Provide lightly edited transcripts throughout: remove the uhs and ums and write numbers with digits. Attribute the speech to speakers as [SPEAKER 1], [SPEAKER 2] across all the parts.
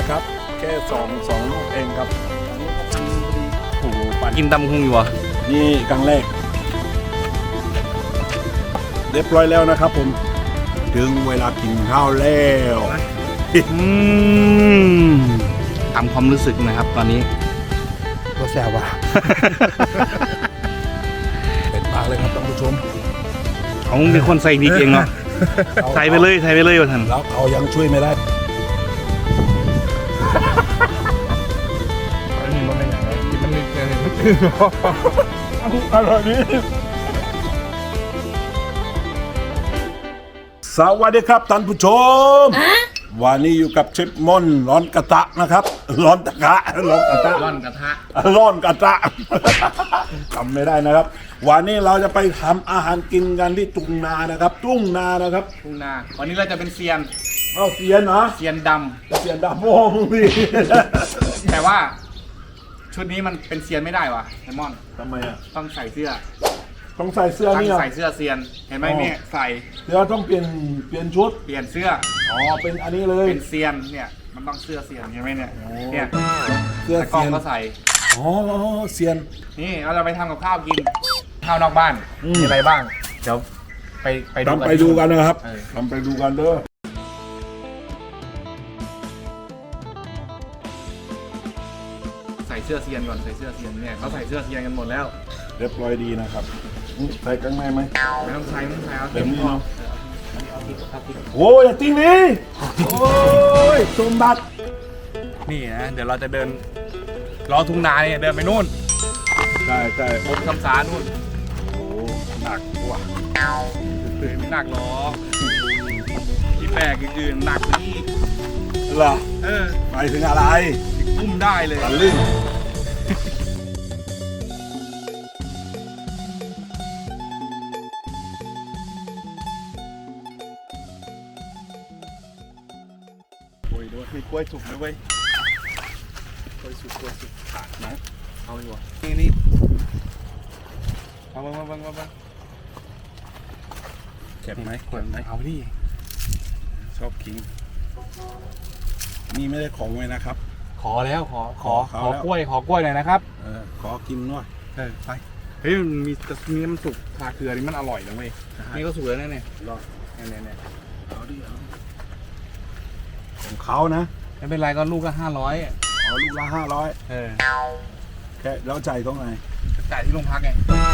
[SPEAKER 1] ครับแค่สองลูกเองครับโอ้โหปั่น
[SPEAKER 2] กินตำหุงอยู่วะ
[SPEAKER 1] นี่ครั้งแรกเรียบร้อยแล้วนะครับผมถึงเวลากินข้าวแล้ว
[SPEAKER 2] ทำความรู้สึกนะครับตอนนี้
[SPEAKER 3] ตัวแสบว่ะ
[SPEAKER 1] เป็นปากเลยครับท่านผู้ชม
[SPEAKER 2] เขาเป็นคนใส่พริกเองเนาะใส่ไปเลยว่าท่าน
[SPEAKER 1] แล้วเขายังช่วยไม่ได้
[SPEAKER 3] อันนี้มันเป็นอย่างไรมันมีอะไรไม่ตื่นหรอ
[SPEAKER 1] อร่อยนี้สวัสดีครับท่านผู้ชมวันนี้อยู่กับเชฟมอนร้อนกระทะนะครับ ร้อนกระทะร้อนกระทะ
[SPEAKER 2] ร่อนกระทะ
[SPEAKER 1] ร้อนกระทะ จำไม่ได้นะครับ วันนี้เราจะไปทำอาหารกินกันที่ทุ่งนานะครับทุ่งนานะครับ
[SPEAKER 2] ทุ่งนาวันนี้เราจะเป็นเซียน
[SPEAKER 1] เอาเสียนนะ
[SPEAKER 2] เซียนด
[SPEAKER 1] เสียนดาโม่มึงดิ
[SPEAKER 2] ำแต่ว่าชุดนี้มันเป็นเซียนไม่ได้วะไอมอน
[SPEAKER 1] ทำไมอ่ะ
[SPEAKER 2] ต้องใส่เสื้อ
[SPEAKER 1] ต้องใส่เสื้อ
[SPEAKER 2] ต้อง
[SPEAKER 1] นี่เหรอ
[SPEAKER 2] ใส่เสื้อเซียนเห็นไหม
[SPEAKER 1] อ๋อ
[SPEAKER 2] เนี่ยใส่
[SPEAKER 1] เดี๋ยวต้องเปลี่ยนชุด
[SPEAKER 2] เปลี่ยนเสื้อ
[SPEAKER 1] อ๋อเป็นอันนี้เลย
[SPEAKER 2] เป็นเซียนเนี่ยมันต้องเสื้อเซียนเห็นไหมเนี่ยเนี่ย
[SPEAKER 1] เสื้อ
[SPEAKER 2] แต่กล้อ
[SPEAKER 1] เสี
[SPEAKER 2] ง
[SPEAKER 1] ยน
[SPEAKER 2] ก็ใส่
[SPEAKER 1] อ๋อเสียน
[SPEAKER 2] นี่เราจะไปทำกับข้าวกินข้าวนอกบ้าน
[SPEAKER 1] อืม
[SPEAKER 2] มีอะไรบ้างเดี๋ยวไปดู
[SPEAKER 1] ทำไปดูกันนะครับ
[SPEAKER 2] เออ
[SPEAKER 1] ทำไปดูกันเด้อ
[SPEAKER 2] ใส่เสื้อเซียนก่อนใส่เสื้อเซียนเนี่ยเขาใส่เสื้อเซียนกันหมดแล้ว
[SPEAKER 1] เรียบร้อยดีนะครับใส่ข้างในไหม
[SPEAKER 2] ไม่ต้องใช้เอา
[SPEAKER 1] แบบนี้
[SPEAKER 2] พอ
[SPEAKER 1] เนาะ
[SPEAKER 2] เอาพริก
[SPEAKER 1] โอ้ยอย่าติ้งนี่โอ้ยสมบัติ
[SPEAKER 2] นี่นะเดี๋ยวเราจะเดินรอทุ่งนาเนี่ยเดินไปนู่น
[SPEAKER 1] ใช่ใช่
[SPEAKER 2] บนคำสานู่น
[SPEAKER 1] โอ้หนักว่ะ
[SPEAKER 2] ไม่หนักหรอกที่แปลกคือหนักนี่
[SPEAKER 1] เหรอ
[SPEAKER 2] เออ
[SPEAKER 1] หมายถึงอะไร
[SPEAKER 2] อุ้มได้เลย
[SPEAKER 1] ตะลึงโอ้ยด้วยมีกล้วยสุกด้วยเว้ยกล้วยสุกขาดนะ
[SPEAKER 2] เอาอยู่นี่เอามา
[SPEAKER 1] เจ็บไหมเจ็บไหม
[SPEAKER 2] เอาดิ
[SPEAKER 1] ชอบขิงนี่ไม่ได้ของไว้นะครับ
[SPEAKER 2] ขอแล้วขอ
[SPEAKER 1] ขอเขาแล้ว
[SPEAKER 2] กล้วยหน่อยนะครับ
[SPEAKER 1] ขอกินหน่อย
[SPEAKER 2] ไปเฮ้ยมันมีน้ำสุกทาเกลือนี่มันอร่อยนะเว้ยนี่ก็สุกแล้วเนี่ย
[SPEAKER 1] รอด
[SPEAKER 2] เนี่ย
[SPEAKER 1] เอาดิเอาของเขานะ
[SPEAKER 2] ไม่เป็นไรก็ลูกก็500
[SPEAKER 1] เอาลูกละ500แค่แล้วใจายตรงไหน
[SPEAKER 2] จ่ายที่โรงพักไง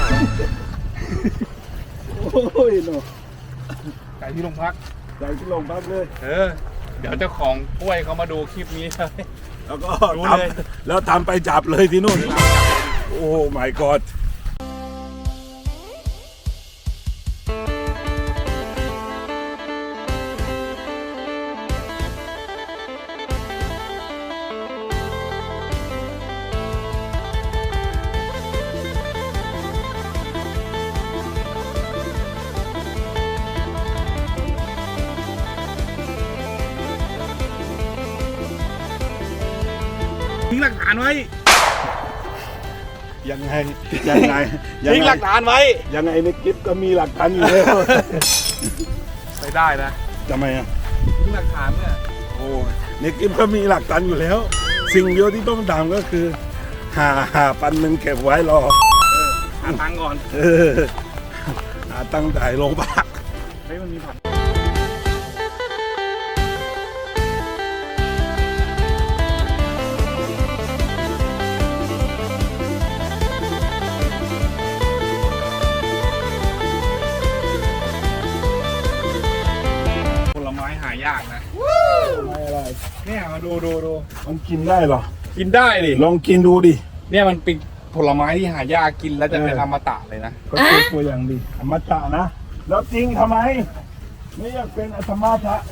[SPEAKER 1] โอ้ยโน
[SPEAKER 2] จ่ายที่โรงพัก
[SPEAKER 1] ใจายที่โรงพักเลย
[SPEAKER 2] เดี๋ยวเจ้าของกล้วยเขามาดูคลิปนี้เลย
[SPEAKER 1] แล้วก็
[SPEAKER 2] รู้
[SPEAKER 1] ท
[SPEAKER 2] เลย
[SPEAKER 1] ำแล้วทำไปจับเลยที่นู่น โอ้ my god
[SPEAKER 2] ทิ้งหลักฐานไว้
[SPEAKER 1] ยังไงยังไง
[SPEAKER 2] ทิ้งหลักฐานไว้
[SPEAKER 1] ยังไงในคลิปก็มีหลักฐานอยู่แล้ว
[SPEAKER 2] ไปได้นะ
[SPEAKER 1] ทำไมอ่ะ
[SPEAKER 2] ทิ้งหลักฐานเนี่ย
[SPEAKER 1] โอ้ยในคลิปก็มีหลักฐานอยู่แล้ว สิ่งเดียวที่ต้องทำก็คือหาปันหนึ่งเก็บไว้รอ
[SPEAKER 2] หาตังค์ก่อน
[SPEAKER 1] เออหาตั้งจ่ายโรงพัก
[SPEAKER 2] เฮ้ยมันมีผักผลไม้หายากนะ
[SPEAKER 1] ไม่อะไร
[SPEAKER 2] เนี่ยมาดู
[SPEAKER 1] มันกินได้เหรอ
[SPEAKER 2] กินได้ดิ
[SPEAKER 1] ลองกินดูดิ
[SPEAKER 2] เนี่ยมันเป็นผลไม้ที่หายากกินแล้วจะเป็นอมตะเลยนะ
[SPEAKER 1] ก็คือตัวอย่างดีอมตะนะ แล้วจริงทำไม ไม่อยากเป็นอมตะ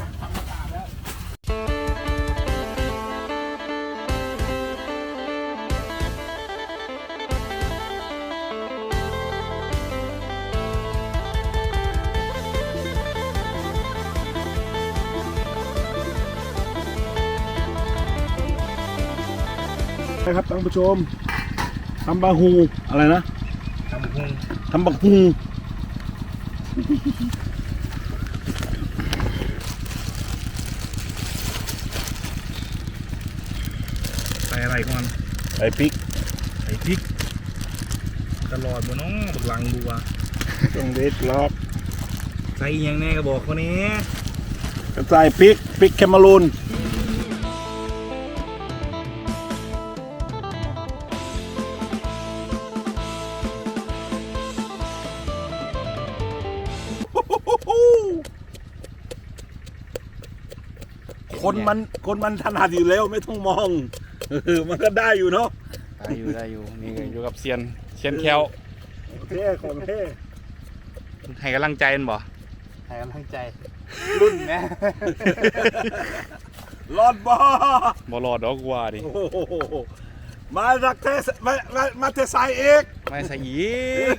[SPEAKER 1] นะครับท่านผู้ชมทำบาฮูอะไรนะทำบักฮู
[SPEAKER 2] ส่ก่อน
[SPEAKER 1] ใส่พริก
[SPEAKER 2] ใส่พริกตลอดบนน้องบักหลังดูว่า
[SPEAKER 1] ต้องเด็ดล็อก
[SPEAKER 2] ใส่ยังแน่ก็บอกคนนี้
[SPEAKER 1] ใส่พริกแคมารูนคนมันถนัดอยู่แล้วไม่ต้องมองมันก็ได้อยู่เนาะ
[SPEAKER 2] ได้อยู่นี่อยู่กับเซียนแคล
[SPEAKER 1] เท่ของเท่
[SPEAKER 2] ให้กำลังใจมันบ่
[SPEAKER 3] ให้กำลังใจ รุ่นนะ
[SPEAKER 1] รอดบ่
[SPEAKER 2] บ่รอดดอกกว่าดิ
[SPEAKER 1] โอ้โหมาจากเทสมาเทสายเอก
[SPEAKER 2] ไม่ใส่อีก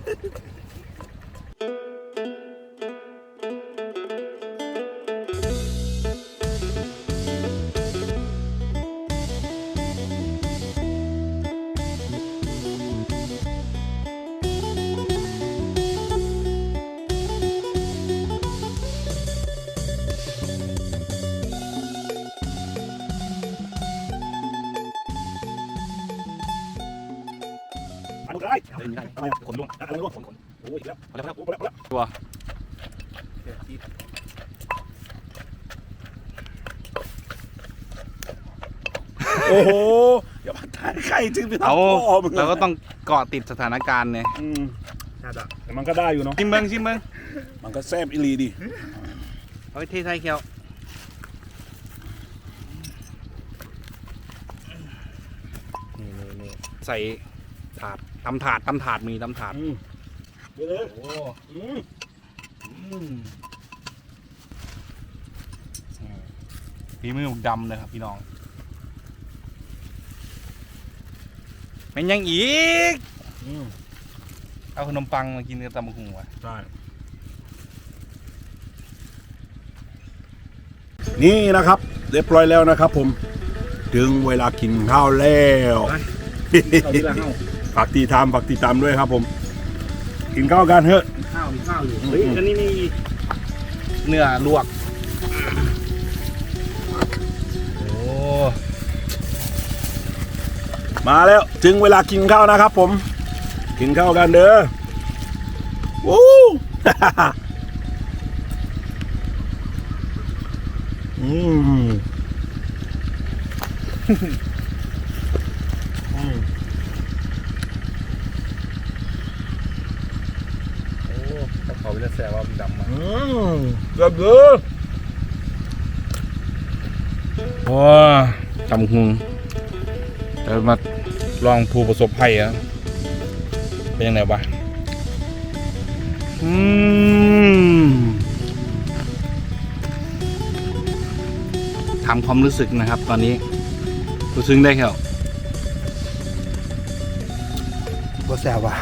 [SPEAKER 1] อันนี้ได้อะไรขนลุกอะไรลุกขนโอ้ยแล้วแล้วแล้ว
[SPEAKER 2] ตัว
[SPEAKER 1] โอ้โหอย่ามาถ่ายใครจึงไปทำ
[SPEAKER 2] เอา
[SPEAKER 1] พ่อมึง
[SPEAKER 2] เราก็ต้องเกาะติดสถานการณ์เนี่ย
[SPEAKER 1] แต่มันก็ได้อยู่เนาะ
[SPEAKER 2] ชิมเบิ้ง
[SPEAKER 1] มันก็แซ่บอีหลีดิ
[SPEAKER 2] เอาไปเทใส่แคลนี่ใส่ถาดตำถาดมีตำถาด
[SPEAKER 1] เดี๋ยวเลย
[SPEAKER 2] โอ้ ฝีมือดำเลยครับพี่น้องเป็นยังอีกเอาขนมปังมากินกับตำบักหุ่งวะ
[SPEAKER 1] ใช่นี่นะครับเรียบร้อยแล้วนะครับผมถึงเวลากินข้าวแล้ว
[SPEAKER 2] เอาดีละเฮ้า
[SPEAKER 1] ฝากติดตามด้วยครับผมกินข้าวกันเถอะ
[SPEAKER 2] มีข้าวอยู่เฮ้ยอันนี้มีเนื้อลวกโอ้
[SPEAKER 1] มาแล้วถึงเวลากินข้าวนะครับผมกินข้าวกันเด้อวู้
[SPEAKER 2] เขาจะแซวว่ามันดำมา
[SPEAKER 1] เกือบเลย
[SPEAKER 2] โอ้ตำบักหุ่งเดี๋ยวมาลองผู้ประสบภัยอ่ะเป็นยังไงบ้างถามความรู้สึกนะครับ ตอนนี้รู้สึกได้แค่
[SPEAKER 3] ตัวแสบว่ะ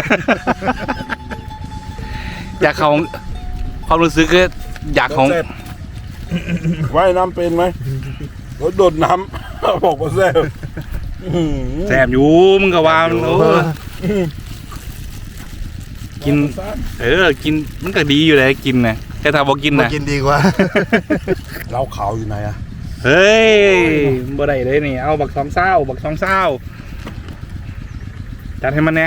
[SPEAKER 2] อยากเขาความรู้สึกก็อยากของ
[SPEAKER 1] แซ่บว่ายน้ำเป็นไหมรถโดดน้ำ บอกว่าแซ่บ
[SPEAKER 2] แสบอยู่มึงก็ว่ามันโอ้กินกินมันก็ดีอยู่เลยกินนะแค่ถ้าบอกกิน
[SPEAKER 3] มา
[SPEAKER 2] นะ
[SPEAKER 3] กินดีกว่า
[SPEAKER 1] เหล้าขาวอยู่ไหนอะ
[SPEAKER 2] เฮ้ยบ่ได้เลยนี่เอาบักสองเศร้าจัดให้มันแน่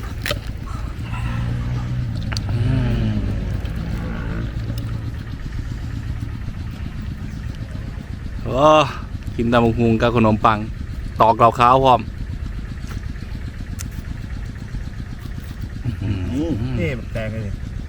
[SPEAKER 2] โอ้กินตำบักหุ่งกับขนมปังตอกเหล่าขาวพร้อม
[SPEAKER 3] นี่มันแตงเลย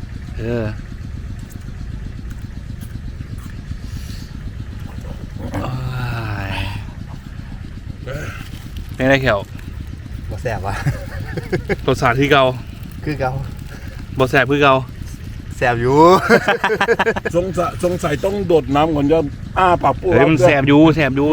[SPEAKER 2] เป็นไรแขว
[SPEAKER 3] ตัวแสบว่ะ
[SPEAKER 2] รสชาติที่เก่า
[SPEAKER 3] คือเก่า
[SPEAKER 2] บ่แสบคือเก่า
[SPEAKER 3] แสบอยู่
[SPEAKER 1] สงสัยต้องโดดน้ำก่อนจะอ้าปากปู
[SPEAKER 2] เฮ้ยมันแสบอยู่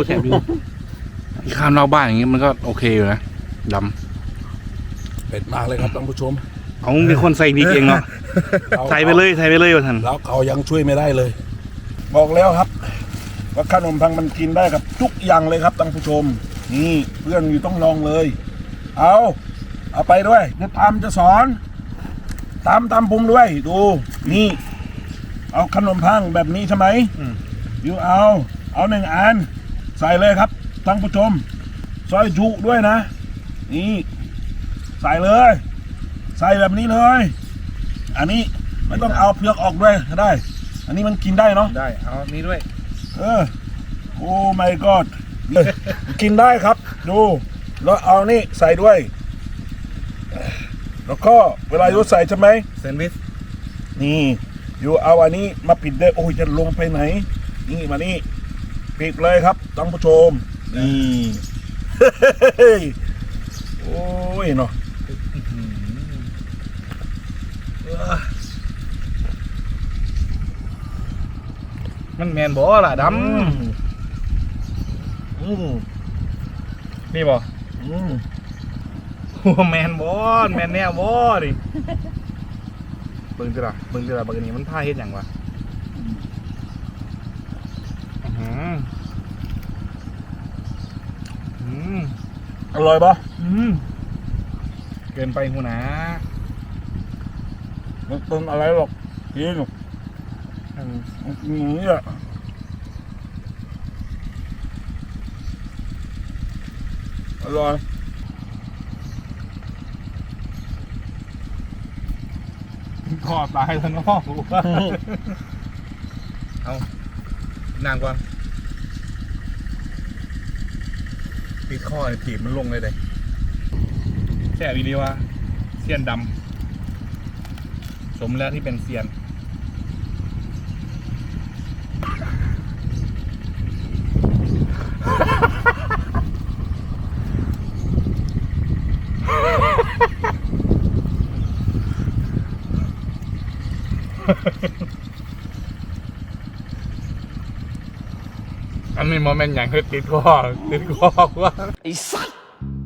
[SPEAKER 2] ข้ามนอกบ้านอย่างงี้มันก็โอเคอยู่นะด
[SPEAKER 1] เป็ดมากเลยครับท่านผู้ชม
[SPEAKER 2] ำเอามีคนใส่พริกเองเนาะใส่ไปเลยว่าท่าน
[SPEAKER 1] แล้วเขายังช่วยไม่ได้เลย บอกแล้วครับว่าขนมปังมันกินได้กับทุกอย่างเลยครับท่านผู้ชมนี่เพื่อนอยู่ต้องลองเลยเอาไปด้วยเดี๋ยวตามจะสอนตามปุ่มด้วยดูนี่เอาขนมปังแบบนี้ใช่ไหมอยู่เอา1 อันใส่เลยครับท่านผู้ชมซอยจุด้วยนะนี่ใส่เลย ใส่แบบนี้เลย อันนี้ไม่ต้องเอาเปลือกออกด้วยก็ได้ อันนี้มันกินได้เนาะ
[SPEAKER 2] ได้เอานี้ด้วย
[SPEAKER 1] โอ้ my god กินได้ครับ ดู แล้วเอานี่ใส่ด้วย แล้วก็เวลาโยใส่ใช่ไหม
[SPEAKER 2] แซนด์วิช
[SPEAKER 1] นี่อยู่เอาอันนี้มาปิดได้โอ้ยจะลงไปไหน นี่มานี่ปิดเลยครับท่านผู้ชมนี่ โอ้ยเนาะ
[SPEAKER 2] มันแมนบ่ล่ะด
[SPEAKER 1] อืม
[SPEAKER 2] ำนี่บ่
[SPEAKER 1] อืม
[SPEAKER 2] โอ้แมนบ่แมนแน่บ่ดิเบิ่งจิล่ะเบิ่งอันนี้มันท่าเฮ็ดหยังวะ
[SPEAKER 1] อร่อยปะ
[SPEAKER 2] เกินไปหูนะ
[SPEAKER 1] มันเป็นอะไรหรอกกินอย่างนี้อ่ะอร่อย
[SPEAKER 2] ขอตายแล้วเนาะเอานางก่อนติดข้อถีบมันลงเลยแซ่บอีดีว่าเซียนดำสมแล้วที่เป็นเซียน อันนี้โมเมนต์อย่างคือติดคอว่าไอ้สัส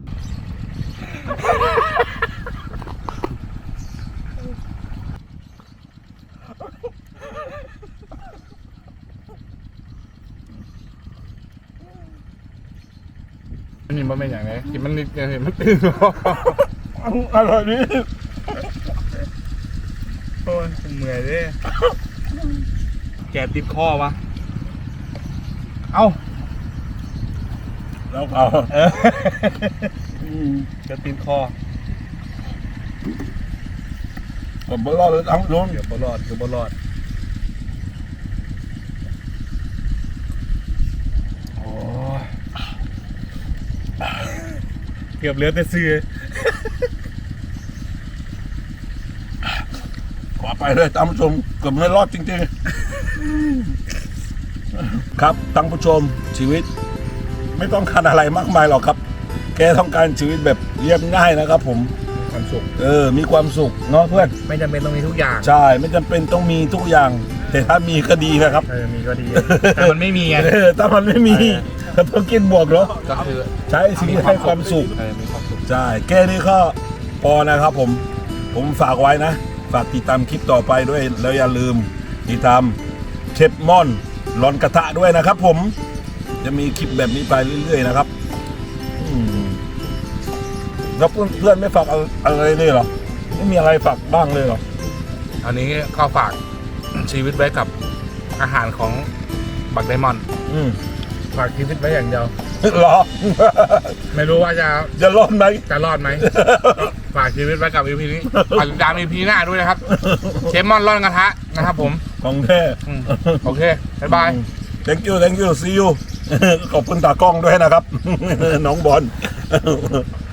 [SPEAKER 2] อันนี้โมเมนต์อย่างไรกินมันนิดเห็นมันตื่นคอ
[SPEAKER 1] อร่อยดี
[SPEAKER 2] โอ้ยเหนื่อยดิแกติดคอวะเอ้า
[SPEAKER 1] แล้วเอา
[SPEAKER 2] จะติดคอ
[SPEAKER 1] ผมไม่รอดเลยทั้งโดน
[SPEAKER 2] เดี๋ยวบรอดโอ้ยเกือบเหลือแต่ซื้อ
[SPEAKER 1] ขอไปเลยท่านผู้ชมเกือบไม่รอดจริงๆครับท่านผู้ชมชีวิต ไม่ต้องการอะไรมากมายหรอกครับ แกต้องการชีวิตแบบเรียบง่ายนะครับผม
[SPEAKER 2] ความสุข
[SPEAKER 1] มีความสุขเนาะเพื่อน
[SPEAKER 2] ไม่จำเป็นต้องมีทุกอย่าง
[SPEAKER 1] ใช่ไม่จำเป็นต้องมีทุกอย่าง แต่ถ้ามีก็ดีนะครับ
[SPEAKER 2] มีก็ดี แต่มันไม่มีไง
[SPEAKER 1] ถ้ามันไม่มีก็ต้องกินบวกเนาะ
[SPEAKER 2] ก็คือ
[SPEAKER 1] ใช้ชีวิตให้ความสุข
[SPEAKER 2] มีความสุข
[SPEAKER 1] ใช่แค่นี้ก็พอนะครับผมฝากไว้นะ ฝากติดตามคลิปต่อไปด้วยแล้วอย่าลืมติดตามเชฟม่อนร้อนกระทะด้วยนะครับผมจะมีคลิปแบบนี้ไปเรื่อยๆนะครับแล้วเพื่อนไม่ฝากอะไรเลยเหรอไม่มีอะไรฝากบ้างเลยเหรอ
[SPEAKER 2] อันนี้ก็ฝากชีวิตไว้กับอาหารของบักไดมอนด์ฝากชีวิตไว้อย่างเดียว
[SPEAKER 1] เหรอ
[SPEAKER 2] ไม่รู้ว่า
[SPEAKER 1] จะรอดไหม
[SPEAKER 2] จะรอดไหม ฝากชีวิตไว้กับ EP นี้ฝากติดตาม EP หน้าด้วยนะครับ เชฟมอนร่อนกระทะนะครับผม
[SPEAKER 1] ของแท้
[SPEAKER 2] โอเค บ๊ายบาย
[SPEAKER 1] thank you see you ขอบคุณตากล้องด้วยนะครับ น้องบอล